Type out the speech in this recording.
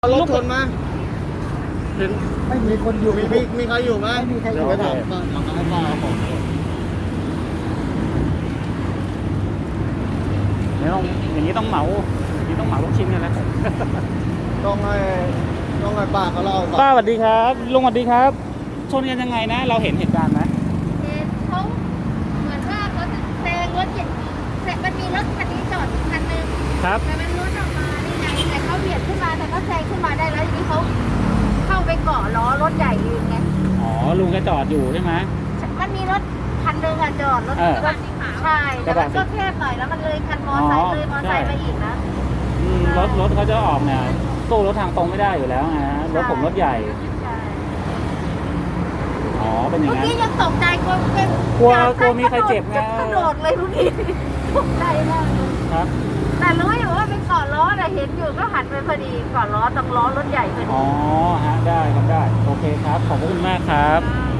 รถชนมาเห็นไม่มีคนอยู่มีใครอยู่ไหมไม่มีใครอยู่เดี๋ยวไปถามป้าหลังให้ป้าเอาของอย่างนี้ต้องเหมาลูกชิ้นกันแล้วต้องให้ป้าเขาเล่าก่อนป้าสวัสดีครับลุงสวัสดีครับ ชนกันยังไงนะ เราเห็นเหตุการณ์ไหมเขาเหมือนว่าเขาจะแซงรถเก๋งมันมีรถคันนี้จอดอยู่คันนึงครับแต่มันรถออกมาได้ไงแต่เขาเบียดขึ้นมาแต่ก็แซงขึ้นมาได้แล้วทีนี้เขาเข้าไปเกาะล้อรถใหญ่ยืนไงอ๋อลุงก็จอดอยู่ใช่ไหมมันมีรถคันนึงอะจอดรถเออกระบะสีขาวใช่แต่มันก็แคบหน่อยแล้วมันเลยคันมอไซค์เลยมอไซค์ไปอีกนะรถเขาจะออกเนี่ยสู้รถทางตรงไม่ได้อยู่แล้วนะรถผมรถใหญ่ใช่อ๋อเป็นอย่างเมื่อนั้นกี้ยังตกใจกลัวกลัวมีใครเจ็บไงกระโดดเลยทุกทีตกใจมากเลยครับแต่รู้อยู่ว่าเป็นเกาะล้อแต่เห็นอยู่ก็หันไปพอดีเกาะล้อตรงล้อรถใหญ่พอดีอ๋อฮะได้ครับได้โอเคครับขอบคุณมากครับอ่า